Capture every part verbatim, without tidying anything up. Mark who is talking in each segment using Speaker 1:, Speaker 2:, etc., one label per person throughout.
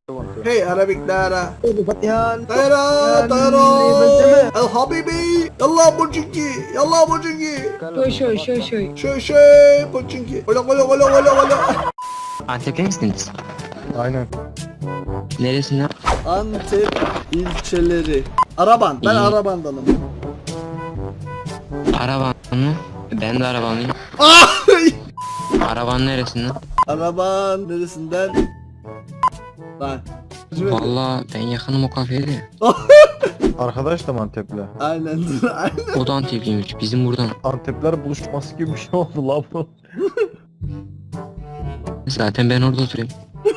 Speaker 1: Hey Arabic Dara.
Speaker 2: Yan.
Speaker 1: Dara Dara. El Habibi. Yallah Pochinki. Yallah Pochinki.
Speaker 2: Şoy şoy şoy şoy.
Speaker 1: Şey şey Pochinki. Ola ola ola ola ola.
Speaker 3: Antepli misiniz?
Speaker 4: Aynen.
Speaker 3: Neresinden?
Speaker 1: Antep ilçeleri. Araban. Ben
Speaker 3: İyi.
Speaker 1: Araban'danım.
Speaker 3: Araban mı? Ben de arabanlıyım.
Speaker 1: Ah!
Speaker 3: Araban neresinden?
Speaker 1: Araban neresinden? Lan.
Speaker 3: Valla ben yakınım o kafeye de.
Speaker 4: Arkadaş da mı Antepli?
Speaker 1: Aynen. Aynen.
Speaker 3: O da Antepliymiş. Bizim buradan.
Speaker 4: Antepler buluşması gibi bir şey oldu lan bu.
Speaker 3: Zaten ben orada oturuyorum.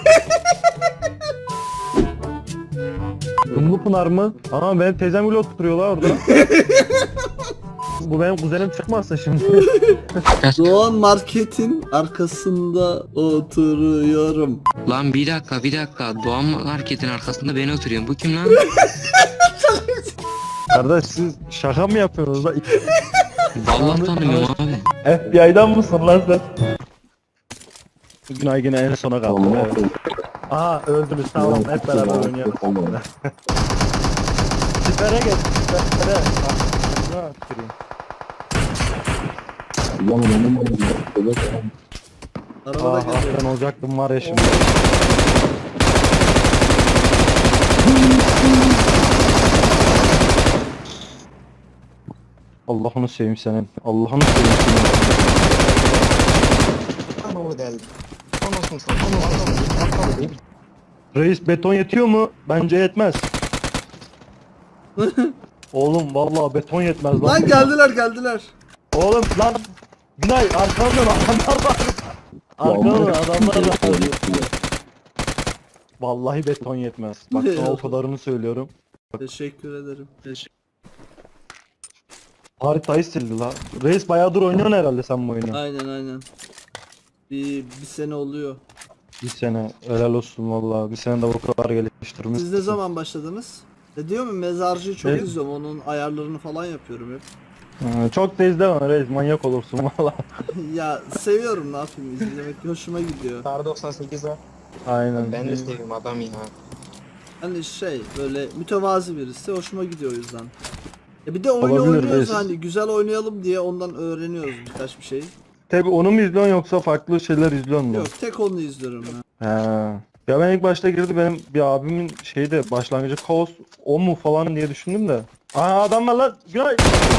Speaker 4: Dumlupınar mı? Aa benim teyzem bile oturuyorlar orada. Bu benim kuzenim çıkmazsa şimdi.
Speaker 3: Biraz...
Speaker 1: Doğan Market'in arkasında oturuyorum.
Speaker 3: Lan bir dakika bir dakika. Doğan Market'in arkasında ben oturuyorum. Bu kim lan?
Speaker 4: Kardeş siz şaka mı yapıyorsunuz lan?
Speaker 3: Vallahi tanımıyorum abi.
Speaker 4: F B I'dan mısın lan sen? Bugün ay yine en sona kaldı. Evet. Aha öldünüz tamam hep beraber oynayalım. Sipere geç sipere. Ah, ne tüküreyim.
Speaker 1: Arabada
Speaker 4: Ah, ah
Speaker 1: geliyor.
Speaker 4: ben olacaktım var ya şimdi. Allah'ını seveyim senin. Allah'ını seveyim senin. Reis beton yetiyor mu? Bence yetmez. Oğlum vallahi beton yetmez lan.
Speaker 1: Lan geldiler geldiler.
Speaker 4: Oğlum lan Günay arkamdan adamlar var. Arkamdan adamlar var. Vallahi beton yetmez. Bak sana o kadarını söylüyorum.
Speaker 1: Teşekkür ederim. Teşekkür.
Speaker 4: Haritayı sildi la. Reis bayağıdır oynuyorsun herhalde sen bu oyunu.
Speaker 1: Aynen aynen. Bir, bir sene oluyor.
Speaker 4: Bir sene helal olsun vallahi. Bir sene de bu kadar geliştirmiş.
Speaker 1: Siz ne zaman başladınız? Ne diyor mu mezarcıyı çok
Speaker 4: Evet.
Speaker 1: izliyorum. Onun ayarlarını falan yapıyorum hep.
Speaker 4: Ha, çok da izleme reis manyak olursun valla.
Speaker 1: Ya seviyorum ne yapayım izlemek hoşuma gidiyor.
Speaker 3: Kar doksan sekiz var.
Speaker 4: Aynen.
Speaker 3: Ben de seviyorum adam ya.
Speaker 1: Hani şey böyle mütevazi birisi hoşuma gidiyor o yüzden. E bir de oyun
Speaker 4: Olabilir,
Speaker 1: oynuyoruz
Speaker 4: reis.
Speaker 1: hani güzel oynayalım diye ondan öğreniyoruz birkaç bir şey.
Speaker 4: Tabi onu mu izliyorsun yoksa farklı şeyler izliyorsun mu?
Speaker 1: Yok tek onu izliyorum ben.
Speaker 4: He. Ya ben ilk başta girdi benim bir abimin şeyde başlangıcı kaos o mu falan diye düşündüm de. Aa adam var lan. Günay.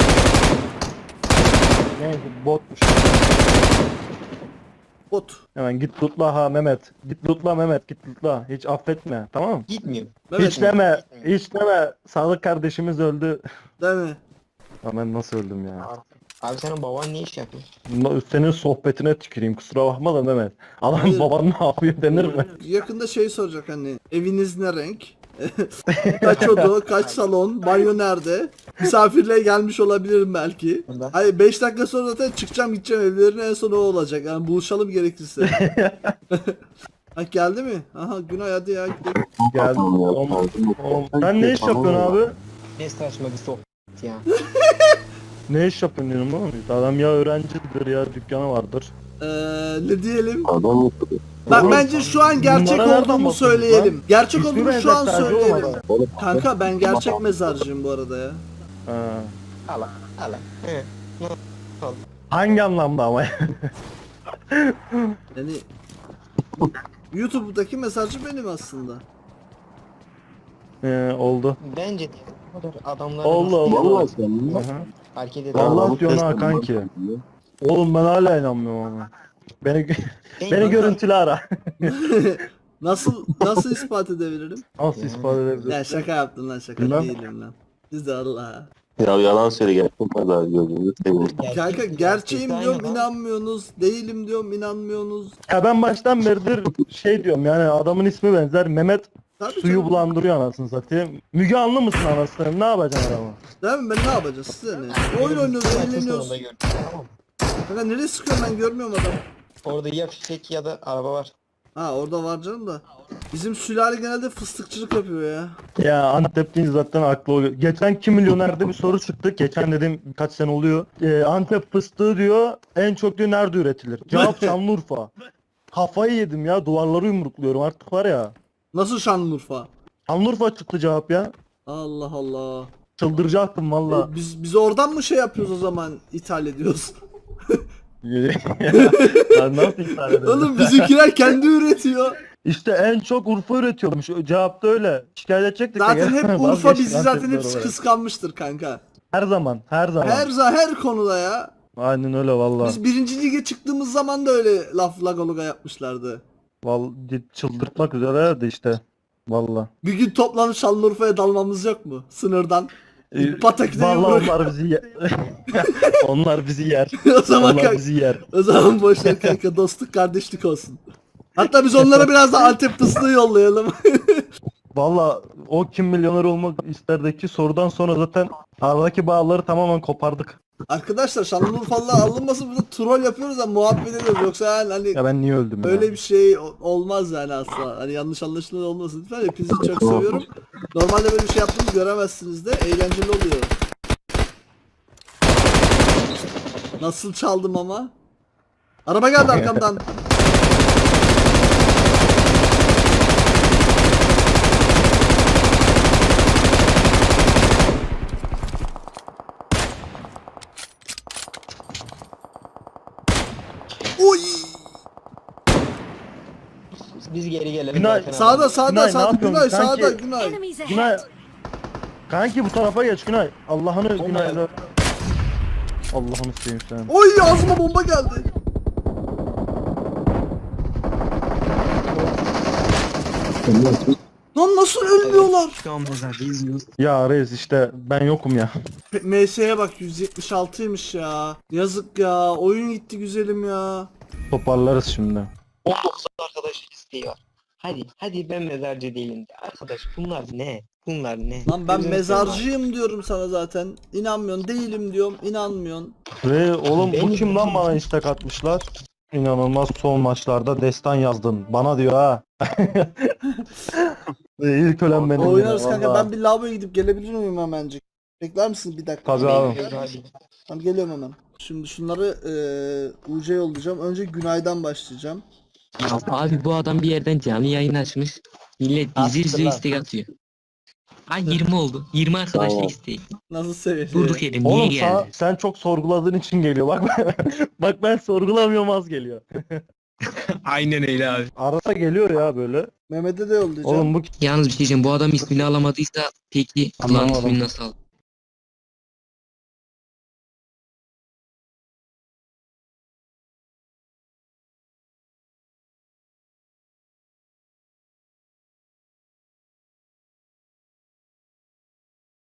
Speaker 4: Neyse botmuş.
Speaker 1: Bot.
Speaker 4: Hemen git lootla ha Mehmet. Git lootla Mehmet git lootla. Hiç affetme tamam mı?
Speaker 3: Gitmiyor.
Speaker 1: Evet,
Speaker 4: Hiç deme. Hiç deme. Sağlık kardeşimiz öldü.
Speaker 1: değil mi?
Speaker 4: Ya ben nasıl öldüm ya?
Speaker 3: Abi senin baban ne iş yapıyor?
Speaker 4: Senin sohbetine tüküreyim kusura bakma da Mehmet. Adam
Speaker 1: Hayır.
Speaker 4: baban ne yapıyor denir mi?
Speaker 1: Yakında şey soracak hani eviniz ne renk? Kaç oda, kaç salon, banyo nerede? Misafirliğe gelmiş olabilirim belki.
Speaker 3: Burada.
Speaker 1: Hayır beş dakika sonra zaten çıkacağım gideceğim evlerine en son o olacak. Yani buluşalım gerekirse. Ha geldi mi? Aha Günay hadi ya gidelim.
Speaker 4: Geldi. Oğlum, oğlum. Sen ne iş yapıyorsun abi?
Speaker 3: Ne saçma bir sohbet ya.
Speaker 4: Ne iş yapıyorsun diyorum oğlum? Adam ya öğrencidir ya dükkanı vardır.
Speaker 1: Ee, ne diyelim? Bak
Speaker 4: Oğlum,
Speaker 1: bence şu an gerçek
Speaker 4: bunlara nereden
Speaker 1: olduğumu
Speaker 4: bakıyorsun
Speaker 1: söyleyelim.
Speaker 4: lan?
Speaker 1: Gerçek
Speaker 4: İsmi
Speaker 1: olduğumu şu an
Speaker 4: benzer,
Speaker 1: söyleyelim.
Speaker 4: olmadı.
Speaker 1: Kanka ben gerçek mezarcıyım bu arada ya.
Speaker 4: Ha.
Speaker 3: Ala ala. He.
Speaker 4: Hangi anlamda ama?
Speaker 1: Yani YouTube'daki mezarcı benim aslında.
Speaker 4: Ee, oldu.
Speaker 3: Bence de o kadar adamlar
Speaker 4: Oldu oldu. Aha.
Speaker 3: hareket eder.
Speaker 4: Vallahi diyorsun ha kanki. Oğlum ben hala inanmıyorum ama. Beni gö- beni görüntülü ara.
Speaker 1: Nasıl nasıl ispat edebilirim?
Speaker 4: Nasıl ispat edebilirsin?
Speaker 1: Ya şaka yaptım lan şaka
Speaker 4: Bilmem.
Speaker 1: değilim lan. Siz de Allah.
Speaker 5: Ya yalan söyle gerçekten pazar gözünü seveyim.
Speaker 1: Kanka gerçeğim diyorum inanmıyorsunuz. Değilim diyorum inanmıyorsunuz.
Speaker 4: Ya ben baştan beridir şey diyorum yani adamın ismi benzer Mehmet
Speaker 1: Tabii
Speaker 4: suyu
Speaker 1: canım.
Speaker 4: bulandırıyor anasını satayım. Müge Anlı mısın anasını ne yapacaksın adamı?
Speaker 1: Değil mi? Ben ne yapacağız size ne? Oyun oynuyoruz eğleniyoruz.
Speaker 3: Tamam.
Speaker 1: Kanka nereye sıkıyorum ben görmüyorum adam.
Speaker 3: Orada ya fişek ya da araba var.
Speaker 1: Ha orada var canım da. Bizim sülale genelde fıstıkçılık yapıyor ya.
Speaker 4: Ya Antep deyince zaten aklı oluyor. Geçen Kim Milyoner'de bir soru çıktı. Geçen dedim birkaç sene oluyor. Ee, Antep fıstığı diyor en çok diyor nerede üretilir? Cevap Şanlıurfa. Kafayı yedim ya duvarları yumrukluyorum artık var ya.
Speaker 1: Nasıl Şanlıurfa?
Speaker 4: Şanlıurfa çıktı cevap ya.
Speaker 1: Allah Allah.
Speaker 4: Çıldıracaktım valla.
Speaker 1: E, biz biz oradan mı şey yapıyoruz o zaman, ithal ediyoruz?
Speaker 4: Ya nasıl iptal edelim?
Speaker 1: Oğlum bizimkiler kendi üretiyor.
Speaker 4: İşte en çok Urfa üretiyormuş. Cevapta öyle. Şikayet edecektik de
Speaker 1: Zaten
Speaker 4: gene
Speaker 1: hep Urfa
Speaker 4: vazgeçtik
Speaker 1: bizi zaten
Speaker 4: Antepler
Speaker 1: hep
Speaker 4: olarak.
Speaker 1: kıskanmıştır kanka.
Speaker 4: Her zaman, her zaman.
Speaker 1: Her za her konuda ya.
Speaker 4: Aynen öyle valla.
Speaker 1: Biz birinci lige çıktığımız zaman da öyle laf lagoluga yapmışlardı.
Speaker 4: Vallahi çıldırtmak üzerelerdi işte. Valla.
Speaker 1: Bir gün toplanıp Şanlıurfa'ya dalmamız yok mu? Sınırdan.
Speaker 4: Ee,
Speaker 1: Batak'ta
Speaker 4: Vallahi
Speaker 1: yumruk.
Speaker 4: onlar bizi yer. Onlar bizi yer.
Speaker 1: O zaman
Speaker 4: Onlar
Speaker 1: kanka,
Speaker 4: bizi yer.
Speaker 1: o zaman boş ver kanka, dostluk kardeşlik olsun. Hatta biz onlara biraz da Antep fıstığı yollayalım.
Speaker 4: Valla o kim milyoner olmak isterdeki sorudan sonra zaten aradaki bağları tamamen kopardık.
Speaker 1: Arkadaşlar Şanlıurfalılar alınmasın, burada troll yapıyoruz da muhabbet ediyoruz. Yoksa yani hani
Speaker 4: Ya ben niye öldüm ya?
Speaker 1: öyle bir şey o- olmaz yani asla. Hani yanlış anlaşılma olmasın lütfen. Hepinizi çok seviyorum. Normalde böyle bir şey yaptığımı göremezsiniz de, eğlenceli oluyor. Nasıl çaldım ama? Araba geldi arkamdan. Oy!
Speaker 6: Biz geri gelelim.
Speaker 4: Günay,
Speaker 6: zaten abi.
Speaker 1: Sağda sağda
Speaker 4: Günay, ne
Speaker 1: sağda
Speaker 4: yapıyorsun
Speaker 1: Günay
Speaker 4: kanki?
Speaker 1: sağda Günay.
Speaker 7: Enemies ahead.
Speaker 4: Günay. Kanki bu tarafa geç Günay. Allah'ını Günay'la. Allah'ını seveyim sen.
Speaker 1: Oy, ağzıma bomba geldi. Lan nasıl ölmüyorlar?
Speaker 3: Şu an mezarda izliyoruz.
Speaker 4: Ya reis işte ben yokum ya.
Speaker 1: M S'ye bak, yüz yetmiş altıymış ya. Yazık ya. Oyun gitti güzelim ya.
Speaker 4: Toparlarız şimdi.
Speaker 6: on dokuz arkadaş isteği var. Hadi hadi ben mezarcı değilim de. Arkadaş bunlar ne? Bunlar ne?
Speaker 1: Lan ben
Speaker 6: Gözünü
Speaker 1: mezarcıyım diyorum sana zaten. İnanmıyorsun, değilim diyorum. İnanmıyorsun.
Speaker 4: Ve oğlum bu
Speaker 6: Benim-
Speaker 4: kim lan bana istek atmışlar? İnanılmaz son maçlarda destan yazdın. Bana diyor ha. Ve ilk ölen benim.
Speaker 1: Oynarız
Speaker 4: ya,
Speaker 1: kanka.
Speaker 4: vallahi.
Speaker 1: Ben bir lavaboya gidip gelebilir miyim hemencik? Bekler misin bir dakika?
Speaker 4: Tabii abi.
Speaker 6: seveyim. Hadi.
Speaker 1: Tamam, geliyorum hemen. Şimdi şunları eee U C'ye yollayacağım. Önce Günay'dan başlayacağım.
Speaker 3: Ya abi bu adam bir yerden canlı yayın açmış. Millet dizi
Speaker 4: Attı
Speaker 3: izliyor,
Speaker 4: lan.
Speaker 3: istek atıyor. Ay yirmi oldu. yirmi arkadaşla
Speaker 5: Tamam.
Speaker 3: istek.
Speaker 1: Nasıl seviyeli?
Speaker 3: Durduk yere niye
Speaker 4: Oğlum
Speaker 3: geldi?
Speaker 4: sa- sen çok sorguladığın için geliyor. Bak bak ben sorgulamıyorum az geliyor.
Speaker 3: Aynen öyle abi.
Speaker 4: Arada geliyor ya böyle.
Speaker 1: Mehmet'e de yollayacağım.
Speaker 4: Oğlum bu
Speaker 3: Yalnız bir şey diyeceğim. Bu adam ismini alamadıysa peki lan
Speaker 4: Anlamadım.
Speaker 3: ismini nasıl al?